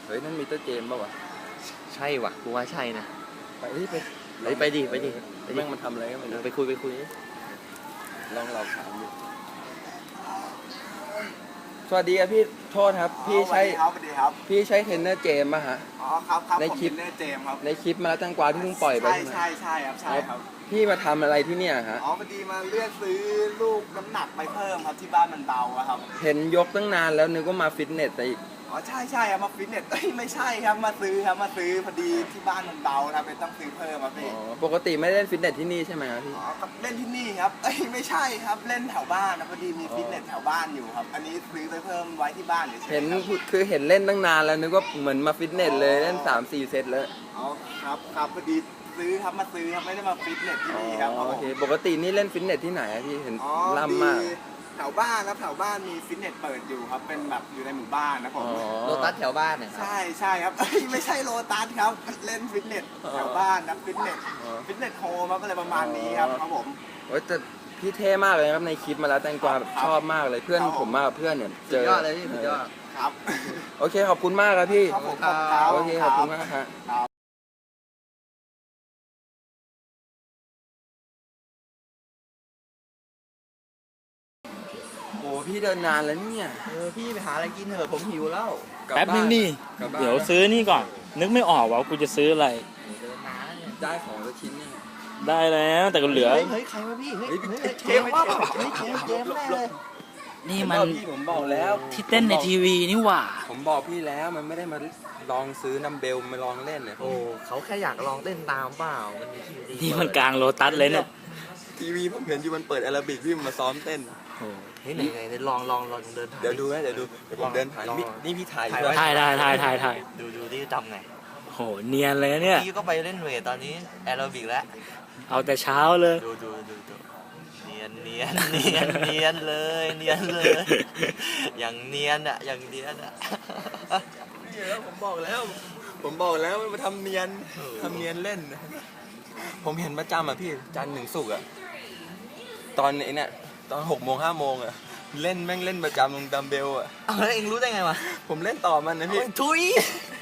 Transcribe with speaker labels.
Speaker 1: เฮ้ยนั่นมิสเตอร์เจมส์ป่าววะ
Speaker 2: ใช่ว่ะกูว่าใช่นะ
Speaker 1: ไปดิ
Speaker 2: ไปดิ
Speaker 1: แม่งมันทำอะไรกันไม่รู้
Speaker 2: ไปคุย
Speaker 1: ลองเราถามดูสวัสดีครับพี่โทษครับพี่ใช้
Speaker 3: สวัสดีครับ
Speaker 1: พี่ใช้เทรนเนอร์เจมส์ป่ะฮะ
Speaker 3: อ๋อครับ
Speaker 1: ใน
Speaker 3: ผม
Speaker 1: คลิป
Speaker 3: เป็นเนอร์เจมส์ครับ
Speaker 1: ในคลิปมาแล้วตังกวาที่เพิ่งปล่อยไป
Speaker 3: ใช่
Speaker 1: ใช่ไหม
Speaker 3: ใช่ใช่ครับใช่ครับ
Speaker 1: พี่มาทำอะไรที่เนี่ยฮะ
Speaker 3: อ๋อพอดีมาเลือกซื้อลูกน้ำหนักไปเพิ่มครับที่บ้านมันเบาอะครับ
Speaker 1: เห็นยกตั้งนานแล้วนึกว่ามาฟิตเนสแต่อีก
Speaker 3: อ๋อใช่ใช่ครับมาฟิตเนสเอ้ยไม่ใช่ครับมาซื้อพอดีที่บ้านมันเบาครับเลยต้องซื้อเพิ่มครับพี่
Speaker 1: อ๋อปกติไม่ได้เล่นฟิตเนสที่นี่ใช่ไหมครับพี่
Speaker 3: อ๋อครับเล่นที่นี่ครับเอ้ยไม่ใช่ครับเล่นแถวบ้านนะพอดีมีฟิตเนสแถวบ้านอยู่ครับอันนี้ซื้อไปเพิ่มไว้ที่บ้านเฉยๆ
Speaker 1: เห็น
Speaker 3: ครับ
Speaker 1: คือเห็นเล่นตั้งนานแล้วนึกว่าเหมือนมาฟิตเนสเลยเล่น 3-4 เซตแล้ว
Speaker 3: อ๋อครับพอดีซื้อครับมาซื้อครับไม่ได้มาฟิตเนสที่นี่ครับ
Speaker 1: อ๋อ
Speaker 3: ผม
Speaker 1: โอเคปกตินี่เล่นฟิตเนสที่ไหนอะพี่เห็น
Speaker 3: อ๋อ
Speaker 1: ล่ำมาก
Speaker 3: แถวบ้านครับแถวบ้านมีฟิตเนสเปิดอยู่ครับเป็นแบบอยู่ในหมู่บ้านนะผม
Speaker 2: โลตัสแถวบ้านเนี่ย
Speaker 3: ใช่ใช่ครับ เอ้ยไม่ใช่โลตัสครับเล่นฟิตเนสแถวบ้านนะฟิตเนสโฮมครับอะไรประมาณนี้ครับครับผม
Speaker 1: โอ้ยแต่พี่เท่มากเลยนะครับในคลิปมาแล้วแตงกวาแบบชอบมากเลยเพื่อนผมมากเพื่อนเนี่ยเจ
Speaker 2: สุด
Speaker 1: อย
Speaker 2: อดเลยพี่สุดยอด
Speaker 3: ครับ
Speaker 1: โอเคขอบคุณมากครับพี่
Speaker 3: ครับผมขอบคุณครับ
Speaker 1: โอเคขอบคุณมากฮะ
Speaker 3: ครับ
Speaker 1: โอ้พี่เดินนานแล้วเนี่ย
Speaker 2: พี่ไปหาอะไรกินเถอะผมหิวแล้ว
Speaker 1: กลั
Speaker 4: แป๊บนึงดิ
Speaker 1: กลับบ้าน
Speaker 4: เดี๋ยวซื้อนี่ก่อน นึกไม่ออกว่ากูจะซื้ออะไร
Speaker 2: เดินนานแล้วเนี่ย
Speaker 1: ได้ของสักชิ้นเนี่ย
Speaker 4: ได้แล้วแต่ก็เหลือ
Speaker 2: เฮ้ยใครวะพี่เฮ้ย
Speaker 1: เจมส์ว่า
Speaker 2: เฮ้ยเจมส์แน่เลย
Speaker 4: นี่มัน
Speaker 1: พี่ผมบอกแล้ว
Speaker 4: ที่เต้นในทีวีนี่หว่า
Speaker 1: ผมบอกพี่แล้วมันไม่ได้มาลองซื้อนัมเบลมาลองเล่นเนี่ย
Speaker 2: โอ้เขาแค่อยากลองเต้นตามเปล่ามันมีที่ดี
Speaker 4: นี่มันกลางโลตัสเลยเนี่ย
Speaker 1: ทีวีผมเห็นอยู่มันเปิดแอโรบิกพี่มันมาซ้อมเต้น
Speaker 4: โอ้
Speaker 2: เฮ้ยไหนลองเดินผ่าน
Speaker 1: เดี๋ยวดูนะเดี๋ยวผมเดินผ่านนี่พี่ถ่ายอยู่
Speaker 4: ถ่ายถ่าย
Speaker 2: ดูที่จำไง
Speaker 4: โหเนียนเลยเนี่ย
Speaker 2: พี่ก็ไปเล่นเวทตอนนี้แอโรบิกแล้ว
Speaker 4: เอาแต่เช้าเลย
Speaker 2: ดูเนียนเลยเนียนเลยอย่างเนียนอ่ะ
Speaker 1: นี่แล้วผมบอกแล้วมันมาทำเนียนเล่น ผมเห็นประจำอ่ะพี่จันทร์ถึงศุกร์อ่ะตอนไอ้เนี่ยตอน6-5 โมงอ่ะเล่นแม่งเล่นประจำลงดัมเบลอ่ะ
Speaker 2: เอาแล้วเองรู้ได้ไงวะ
Speaker 1: ผมเล่นต่อมันนะพี่
Speaker 2: ทุย